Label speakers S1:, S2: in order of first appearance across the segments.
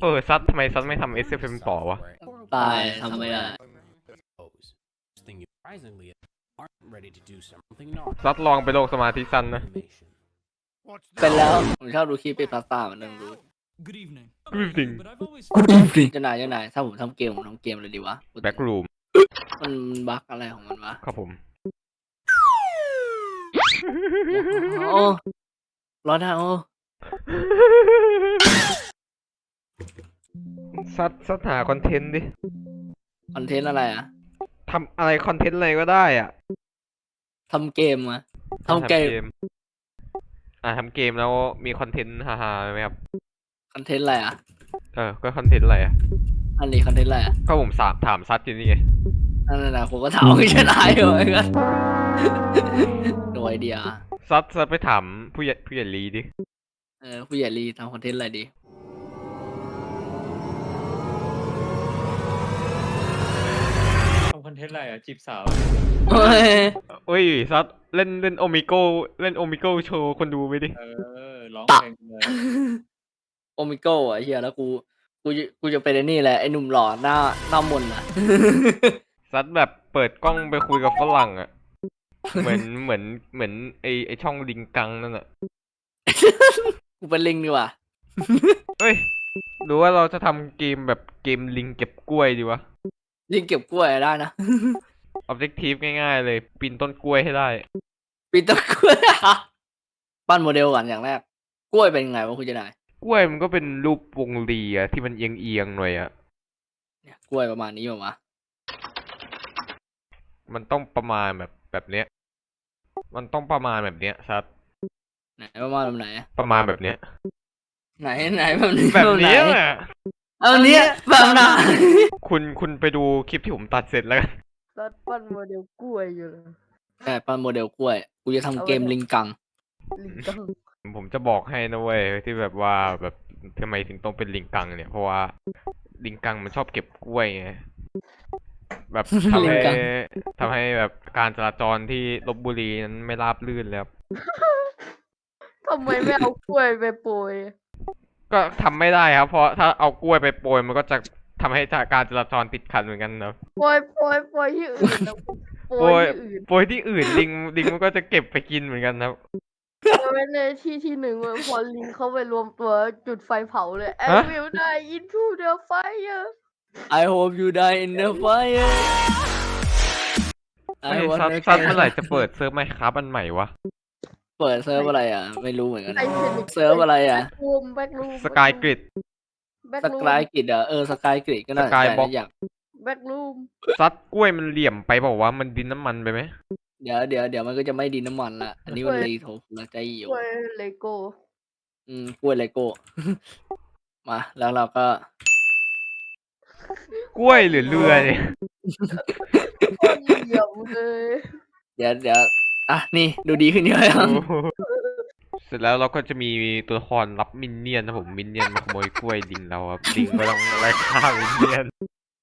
S1: ซัดทำไมซัดไม่ทำ SFM ต่อวะ
S2: ตายทำไม่ได้
S1: ซัดลองไปโลกสมาธิสั้นนะ
S2: เป็นแล้วผมชอบดูคลิปเป็นพาสต้ามันนึงรู้
S3: Good evening.
S1: Good evening.
S3: But I've always
S2: เจ้านายถ้าผมทำเกมผมทำเกมเลยดีวะ
S1: Back room
S2: มันบั๊กอะไรของมันวะ
S1: ครับผม
S2: โอ้ร้อนนะโอ้
S1: ซัดหาคอนเทนต์ดิ
S2: คอนเทนต์อะไรอ่ะ
S1: ทำอะไรคอนเทนต์อะไรก็ได้อ่ะ
S2: ทำเกมอะทำเกม
S1: ทำเกมแล้วมีคอนเทนต์ฮาๆไหมครับ
S2: คอนเทนต์อะไรอ่ะ
S1: ก็คอนเทนต์อะไรอ่ะ
S2: อันนี้คอนเทนต์อะไรอ่ะ
S1: ก็ผมถามซัดอยู่นี่ไง
S2: นั่นน่ะผมก็ถามไม่ใช่นายเหรอกันโดยไอเดีย
S1: ซัดไปถามผู้ใหญ่ลีดิ
S2: ผู้ใหญ่ลีทำคอนเทนต์อะไรดี
S4: ทำคอนเทนต์อะไรอ่ะจีบสาว
S2: เฮ้ย
S1: ซัดเล่นโอมิโก้โชว์คนดูไปดิ
S4: ร้องเพลงเลย
S2: โอมิโก้อะเฮียแล้วกูจะเป็นไอ้นี่แหละไอ้หนุ่มหล่อหน้ามนต์อะ
S1: ซัดแบบเปิดกล้องไปคุยกับฝรั่งอ่ะ เหมือนไอช่องลิงกังนั่นอ่ะ
S2: กูเป็นลิงดีกว่า
S1: เฮ้ยหรือว่าเราจะทำเกมแบบเกมลิงเก็บกล้วยดีวะ
S2: ลิงเก็บกล้วยได้นะ
S1: Objective ง่ายๆเลยปีนต้นกล้วยให้ได้
S2: ปีต้นกล้วยปั้นโมเดลก่อนอย่างแรกกล้วยเป็นไงวะคุณเจนาย
S1: กล้วยมันก็เป็นรูปวงรีอะที่มันเอียงๆหน่อยอะ
S2: เนี่ยกล้วยประมาณนี้ป่าวะ
S1: มันต้องประมาณแบบเนี้ย มันต้องประมาณแบบเนี้ยซัด
S2: ไหนประมาณแบบไหน
S1: ประมาณแบบเนี้ย
S2: ไหนแบบนี้
S1: แบบเนี้ย
S2: ไหน
S1: อะ
S2: เอาเนี้ยแบบไหน
S1: คุณไปดูคลิปที่ผมตัดเสร็จแล้วกัน
S5: รัดปั้นโมเดลกล้วยอยู่เลย
S2: ใช่ปั้นโมเดลกล้วยกูจะทำเกมลิงกัง
S5: ลิงกัง
S1: ผมจะบอกให้นะเว้ยที่แบบว่าแบบทำไมถึงต้องเป็นลิงกังเนี่ยเพราะว่าลิงกังมันชอบเก็บกล้วยไงแบบทำ
S2: ลิ
S1: ให้
S2: งกัง
S1: ทำให้แบบการจราจรที่ลพบุรีนั้นไม่ราบรื่นแล้ว
S5: ทำไมไม่เอากล้วยไปโปรย
S1: ก็ทำไม่ได้ครับ เพราะถ้าเอากล้วยไปโปรยมันก็จะทำให้การจราจรติดขัดเหมือนกันนะ
S5: โปรยที่อื่นนะโปร
S1: โปรย
S5: ยที่อื่น
S1: โปรยที่อื่นลิงมันก็จะเก็บไปกินเหมือนกันครับ
S5: เอาไว้ในที่หนึ่งเว้ยพอลิงเข้าไปรวมตัวจุดไฟเผาเลย I
S1: ฮะ
S5: will die into the fire
S2: I hope you die in the fire
S1: ซัดเมื่อไหร่จะเปิดเซิร์ฟไหมครับอันใหม่วะ
S2: เปิดเซิร์ฟอะไรอ่ะ ไม่รู้เหมือนกัน
S5: ไอเทนิก
S2: เซิร์ฟอะไรอ่ะ
S5: แบ็กรูม
S1: สกายกริด
S5: แบ็ก
S2: ส
S5: รูม
S2: กายกริดอ่ะสกายกริดก็น่าสนใจ
S1: Skybox
S2: นะอยาก
S5: แบ็กรูม
S1: ซัดกล้วยมันเหลี่ยมไปเปล่าวะมันดินน้ำมันไปไหม
S2: เดี๋ยวมันก็จะไม่ดินน้ำมันละอันนี้มันรีโทละใจอยู่
S5: กล้วยเลโก้
S2: กล้วยเลโก้ มาแล้วเราก็
S1: กล้วยหรือเรือเนี่ย
S5: โคตรเหลี่ยมเลย
S2: เดี๋ยวอ่ะนี่ดูดีขึ้นเยอะยัง
S1: เสร็จแล้วเราก็จะมีตัวละครรับมินเนี่ยนนะผมมินเนี่ยนมาขโมยกล้วยลิงเราครับลิงก็ต้องไล่ฆ่ามินเนี่ยน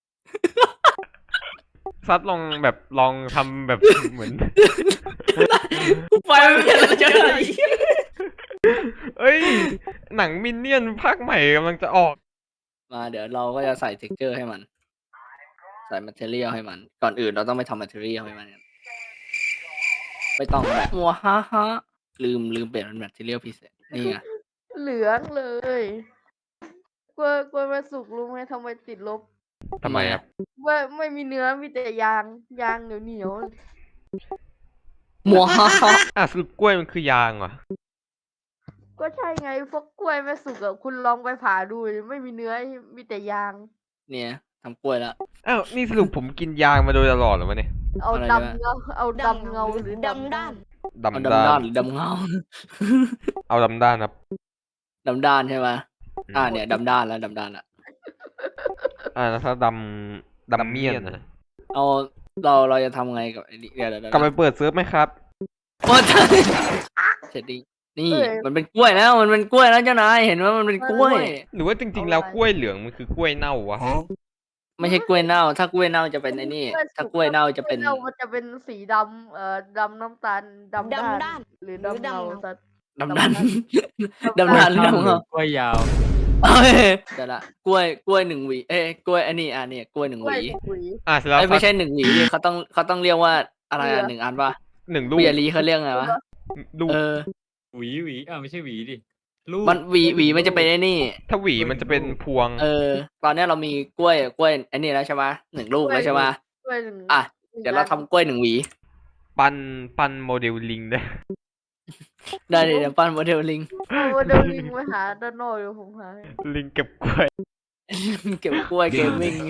S1: ซัดลองทำแบบเหมือน
S2: ไฟไม่เป็นไรจะไหน
S1: เอ้ยหนังมินเนี่ยนภาคใหม่กำลังจะออก
S2: มาเดี๋ยวเราก็จะใส่เท็กเจอร์ให้มัน ใส่ material ให้มัน ก่อนอื่นเราต้องไปทำ material ให้มันกันไม่ต้องแบบมัวฮ่าฮ่าลืมเปลี่ยนเป็น material พิเศษนี่ไง
S5: เหลืองเลยกล้วยมาสุกรู้ไหมทำไมติดลบ
S1: ทำไมครับ
S5: ว่าไม่มีเนื้อมีแต่ยางเหนียว
S2: มัวฮ่าฮ่า
S1: สรุปกล้วยมันคือยางเหรอ
S5: ก็ใช่ไงพวกกล้วยไม่สุกอะคุณลองไปผ่าดูดิไม่มีเนื้อมีแต่ยาง
S2: เนี่ยทำกล้วยแล้ว
S1: อ้าวนี่สรุปผมกินยางมาโดยตลอดเหรอวะเนี่ย
S5: เอา
S2: อะไร
S5: ดำ
S2: นะ
S5: เงาเอาดำเงาหรือดำด้าน
S1: ดำ
S2: เอา
S1: ด้า
S2: ดำด้าน นหรือดำเงา
S1: เอาดำด้านครับ
S2: ดำด้านใช่ไหมเนี่ยดำด้านแล้ว
S1: แล้วถ้าดำเมียนนะ
S2: เอาเราจะทำไงกับไอ้นี่เดี๋ยว
S1: กลับไปเปิดเซิร์ฟไหมครับ
S2: โอ้ยเสร็จดีนี่มันเป็นกล้วยแล้วมันเป็นกล้วยแล้วเจ้านายเห็นว่ามันเป็นกล้วย
S1: หรือว่าจริงๆแล้วกล้วยเหลืองมันคือกล้วยเน่าวะ
S2: ไม่ใช่กล้วยเน่า ถ้ากล้วยเน่าจะเป็นไอ้นี่ ถ้ากล้วยเน่าจะเป็น
S5: กล้วยเน่ามันจะเป็นสีดำดำน้ำตาลดำด้านหรือดำเงาสัตว์
S2: ดำด้าน ดำด้านหรือดำเงาก
S4: ล้วยยาว
S2: เอ้ยเดี๋ยวละกล้วยหนึ่งหวีกล้วยอันนี้เนี่ยกล้วยหนึ่ง
S5: ก
S2: ห
S5: ล้วย
S2: วี
S5: หวี
S1: เสร็จแล้ว
S2: ไม่ใช่หนึ่งหวีดิเขาต้องเรียกว่าอะไร
S5: เรือ
S2: หนึ่งอันปะ
S1: 1 ลูก
S2: เบียรีเขาเรียกไงวะ
S1: ลูก
S4: หวีไม่ใช่หวีดิลูก
S2: มันหวีมันจะเป็นไอ้นี่
S1: ถ้าหวีมันจะเป็นพวง
S2: ตอนเนี้ยเรามีกล้วยอันนี้แล้วใช่ปะ1 ลูกแล้วใช่ปะ
S5: กล้วยหนึ่ง
S2: อ่ะเดี๋ยวเราทำกล้วย1 หวี
S1: ปั้นโมเดลลิงได้
S2: ได้เดี๋ยวปั้นโมเดลลิง
S5: เอาเดินลิงไปหาด้านนอกเดี๋ยวผมหาให้
S1: ลิงเก็บกล้วย
S2: เก็บกล้วยเกมมิ่ง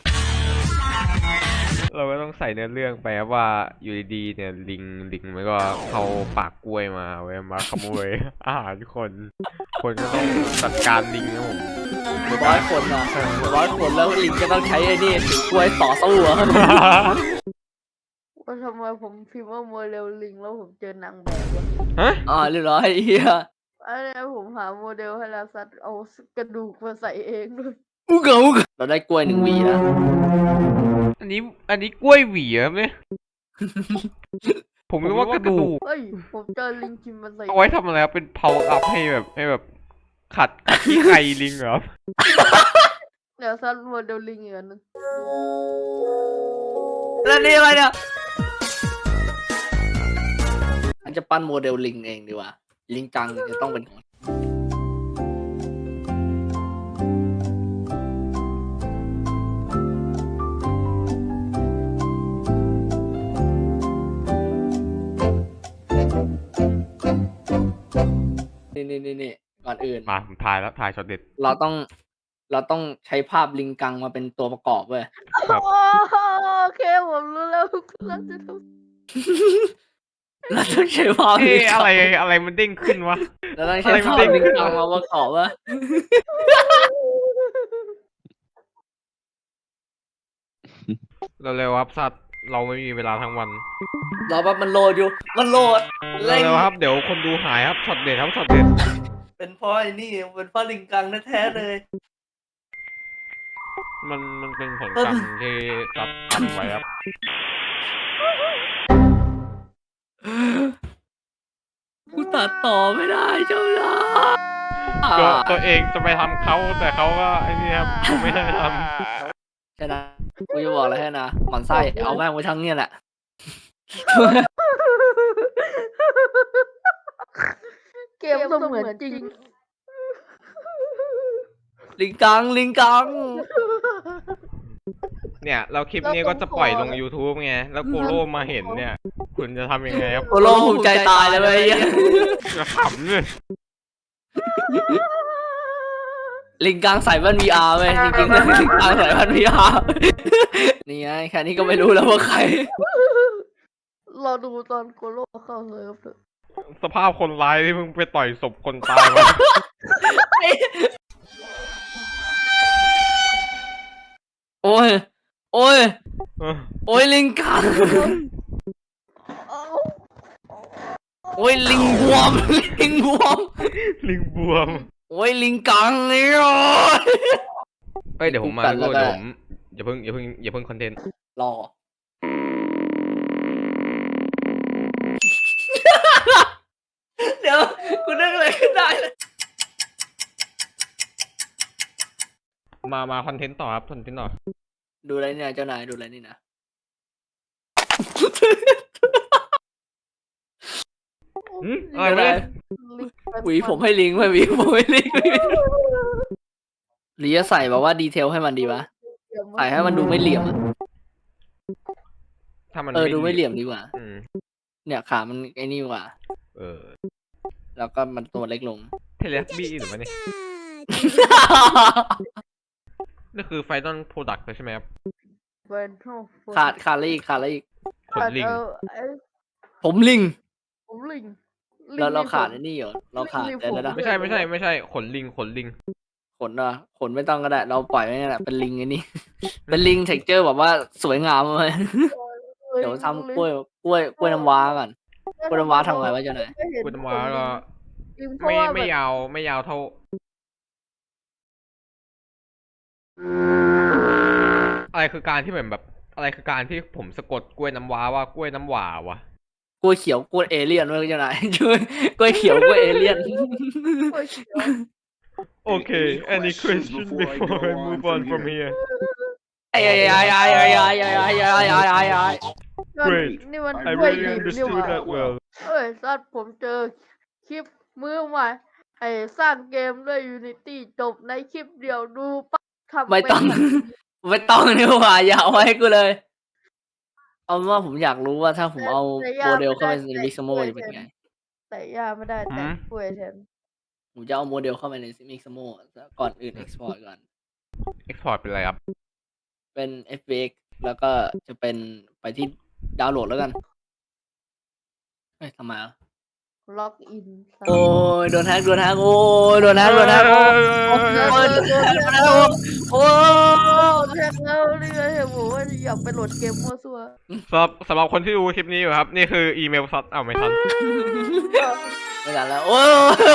S1: เราก็ต้องใส่เนื้อเรื่องไปครับว่าอยู่ดีๆเนี่ยลิงมันก็เข้าปากกล้วยมาเว้ยมาขโมย อาหารคนก็ต้องจัดการลิงนะผม
S2: 100 คนอ่ะ100 คนแล้วลิงก็ต้องใช้ไอ้นี่ถือกล้วยต่อสู้อ่ะ
S5: ว่าทำไมผมพิมพ์ว่าโมเดลลิงแล้วผมเจอนางแบบวะ
S1: ฮะ
S2: เรียบร้อยเฮีย
S5: อันนี้ผมหาโมเดลให้แล้วซัดเอากระดูกมาใส่เองด้วย
S2: อุกเราได้กล้วย1 หวีแล้ว
S1: อันนี้กล้วยหวีเหรอเนี่ย ผมนึกว่ากระดูก
S5: เฮ้ยผมเจอลิงกินมันใส่
S1: เอาไว้ทำอะไรครับเป็นเพาอัพให้แบบขัดขี้ไก่ลิงเหรอ
S5: เดี๋ยวซัดโมเดลลิงอีกอันนึง
S2: แล้วนี่อะไรเนี่ยอันจะปั้นโมเดลลิงเองดีกว่าลิงจังจะต้องเป็นของนี่ก่อนอื่น
S1: มาผมถ่ายช็อตเด็ด
S2: เราต้องใช้ภาพลิงกังมาเป็นตัวประกอบเว้ย
S1: ครับ
S5: โอเคผมรู้แล้วเราจะท
S2: เราต้องใช้ภาพลิงกัง
S1: อะไรมันเด้งขึ้นวะ
S2: เราต้องใช้ภาพลิงกังมาประกอบเว้ย
S1: เร็วๆครับสัตว์เราไม่มีเวลาทั้งวัน
S2: รอแป๊บมันโหลดอยู่มันโหลด
S1: เร็วๆครับเดี๋ยวคนดูหายครับช็อตเด็ดครับช็อตเด็ด
S2: เป็นเพราะไอ้นี่เป็นเพราะลิงกังแท้ๆเลย
S1: มันเป็นผลกรรมที่ตัดทำไว้ครับ
S2: กูตัดต่อไม่ได้เจ้าละ
S1: ก็ตัวเองจะไปทำเขาแต่เขาก็ไอ้นี่ครับเขาไม่ได้ท
S2: ใช่นะกูจะบอกอะไรให้นะหมันไส้เอาแม่งไว้ทั้งเนี่ยแหละ
S5: เกมเสมือนจริง
S2: ลิงกัง
S1: เนี่ยเราคลิปนี้ก็จะปล่อยลง YouTube ไงแล้วโกโร่มาเห็นเนี่ย คุณจะทำยังไงครับ
S2: โกโลภูมิใจตายเลยเว้ย
S1: จะขำเลย
S2: ลิงกังใส่แว่น VR เว้ยจริงๆแล้วลิงกังใส่แว่น VR นี่ไงแค่นี้ก็ไม่รู้แล้วว่าใคร
S5: เราดูตอนโกโลเข้าเซิร์ฟเถอะ
S1: สภาพคนร้ายที่มึงไปต่อยศพคนตายมา
S2: โอ้ย
S1: เออ
S2: โอ้ยลิงกัง
S5: เอ้า
S2: โอ้ยลิงบวม
S1: ลิงบวม
S2: โอ้ยลิงกังเนี่ย
S1: เฮ้ยเดี๋ยวผมมา
S2: ตัด
S1: แล้ว
S2: แล้ว
S1: เดี๋ยวผมอย่าเพิ่งคอนเทนต์
S2: รอ เดี๋ยวกูนึกอะไรขึ้นได้เลย
S1: มาคอนเทนต์ต่อครับคอนเทนต์ต่อ
S2: ดูอะไรเนี่ยเจ้านายดูอะไรนี่นะ
S1: อะไรไม่ได้
S5: ลิงไป
S2: หวีผมให้ลิงไม่หวีผมให้ลิงหรือจะใส่แบบว่าดีเทลให้มันดีวะใส่ให้มันดูไม่เหลี่ยมอะ
S1: ถ้ามัน
S2: ดูไม่เหลี่ยมดีกว่า
S1: อืม
S2: เนี่ยขามันไอ้นี่กว่า
S1: เออ
S2: แล้วก็มันตัวเล็กลง
S1: เทเลสบี้หรือวะเนี่ยนี่คือไฟนอลโปรดักต์ใช่ไหมครับ
S5: เป็นโทษ
S2: ขาดอะไรอีก
S1: ขนลิง
S2: ผมลิง
S5: ผมลิง
S2: เราขาดไอ้นี่เหรอเราขาดแต่แล้วนะ
S1: ไม่ใช่ขนลิง
S2: ขนไม่ต้องก็ได้ เราปล่อยไว้นี่แหละเป็นลิงไอ้นี่ เป็นลิงเท็กเจอร์แบบว่าสวยงามเลย เดี๋ยวทำกล้วยน้ำว้าก่อนกล้วยน้ำว้าทำไงวะเจ้านาย
S1: กุณมาก็
S5: ลิงเพ
S1: ไม่
S5: ราะว่า
S1: ไม่
S5: แบบ
S1: ยาวเท่า อะไรคือการที่แบบอะไรคือการที่ผมสะกดกล้วยน้ำว้าว่ากล้วยน้ำหวาวะ
S2: กล้วยเขียวกล้วยเอเลี่ยนด้วยเจ้านายช่วยกล้วยเขียวกล้วยเอเลี่ยน
S5: กล้วยเขียว
S1: Okay, any question before I move on from here?
S2: ไอ้
S1: Great.
S5: นี่มัน
S1: I
S5: ด้วย
S1: really
S5: ดิบนี่ห
S1: understood
S5: ว่า
S1: that well.
S5: เอ้ยสัตว์ผมเจอคลิปมือใหม่ไอ้สร้างเกมด้วย Unity จบในคลิปเดียวดูปั๊บทำ
S2: ไม่
S5: เป็น
S2: ต้อง ไม่ต้องนี่หว่าอย่าเอาไว้ให้กูเลย เอาเป็นว่าผมอยากรู้ว่าถ้าผมเอา
S5: แต่
S2: โมเดลเข้าไปใน
S5: แต่
S2: มิกซ์โม
S5: แต่
S2: จะเป็นไง
S5: แต่ย่าไม่ได้แต่กล้วยแทน
S2: ผมจะเอาโมเดลเข้าไปในมิกซ์โมก่อนอื่น export ก่อน
S1: Export เป็นอะไรครับ
S2: เป็น FBX แล้วก็จะเป็นไปที่ดาวน์โหลดแล้วกัน เฮ้ยทำไมอ่ะ
S5: ล็อกอิน
S2: โอ้ยโดนแฮกโดนแฮกโอ้ยโดนแฮกโดนแฮกโอ้ยโอ้ยโดนแฮกโดนแฮกโอ้ย
S5: แทงแล้วนี่ไงเห็นบอกว่าอยากไปโหลดเกมมั่วซั่ว
S1: สำหรับคนที่ดูคลิปนี้อยู่ครับ นี่คืออีเมลซัดไม่ทัน
S2: ไม่ทันแล้วโอ้ย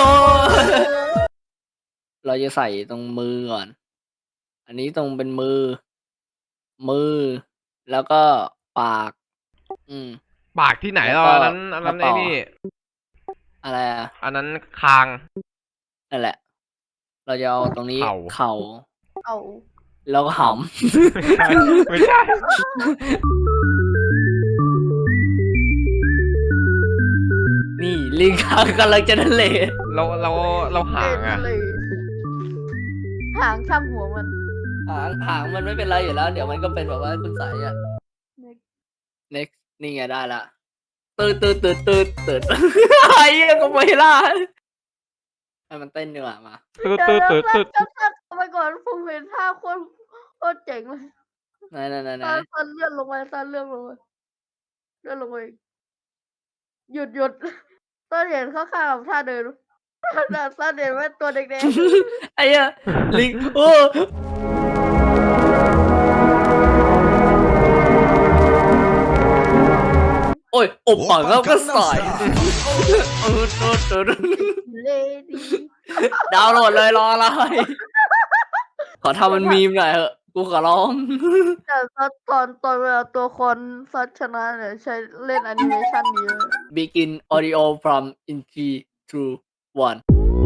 S2: เราจะใส่ตรงมือก่อน อันนี้ตรงเป็นมือ แล้วก็ปาก
S1: ปากที่ไหน
S2: แล้ว
S1: อ่ะ
S2: ก็
S1: อันนั้น
S2: กระเป๋า
S1: ไอ้นี่
S2: อะไรอ่ะ
S1: อันนั้นคาง
S2: นั่นแหละ เราจะเอาตรงนี้
S1: เข่า
S2: เข่า
S5: เอา
S2: แล้วก็ห
S1: ไม่ใช่
S2: ำ นี่ลิงค้างกำลังจะนั่นเลย
S1: เราหางอ่ะ
S5: เลยหางช่างหัวมัน
S2: หางมันไม่เป็นไรอยู่แล้ว เดี๋ยวมันก็เป็นแบบว่าคุณใสอ่ะ next นี่ไงได้ละตืด ไอ้เหี้ยก็ไม่ล่ะให้มันเต้นดีกว่ามา
S1: ตืด
S5: เอาไปก่อนผมเห็นท่าโคตรเจ๋งเลย
S2: ไหน
S5: สั้นเลื่อนลงไปสั้นเลื่อนลงไปเลื่อนลงไปอีกหยุดต้นเห็นข้างๆกับท่าเดินสั้นเห็นว่าตัวแดง
S2: ไอ้เหี้ยลิงโอ้โอ้ยอบปากแล้วก็ใส่ตืด
S5: ๆเลดี้
S2: ดาวน์โหลดเลยรออะไรขอทำมันมีมหน่อยเถอะกูขอร้อง
S5: แต่ตอนเวลาตัวคนซัดชนะเนี่ยใช้เล่นแอนิเมชันนี้เลย
S2: begin audio from in 3 2 1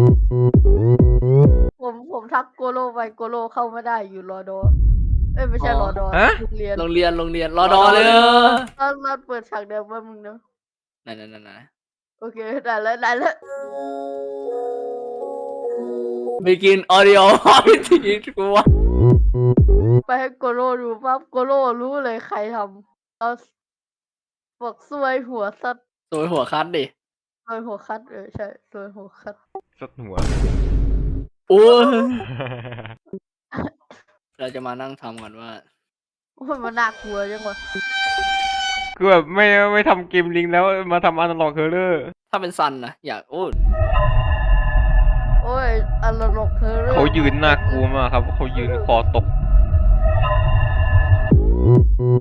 S5: ผมทักโกโลไปโกโลเข้าไม่ได้อยู่รอดอเอ้ยไม่ใช่รอดอ
S1: ฮะ
S5: โรงเรียน
S2: โรงเรียนรอดอเลย
S5: ตอนเปิดฉากเดิมว่ามึงเนาะ
S2: ไหน
S5: โอเคได้แล้ว
S2: begin audio from in 3 2 1
S5: ไปให้โกโลดูปั๊บโกโลรู้เลยใครทำเอาบอกซวยหัวซัด
S2: สวยหัวคัดดิ
S5: ซวยหัวคัดใช่ซวยหัวคัด
S1: สัดหัว
S2: โอ้ยเราจะมานั่งทำกันว่า
S5: โอ้ยมันน่ากลัวจังวะ
S1: คือแบบไม่ทำเกมลิงแล้วมาทำอนาล็อกเฮอร์เรอร์
S2: ถ้าเป็นซันนะอยากโอ้ย
S5: โอ้ยอันละลกเธอเลย
S1: เขายืนน่ากลัวมากครับเขายืนคอตก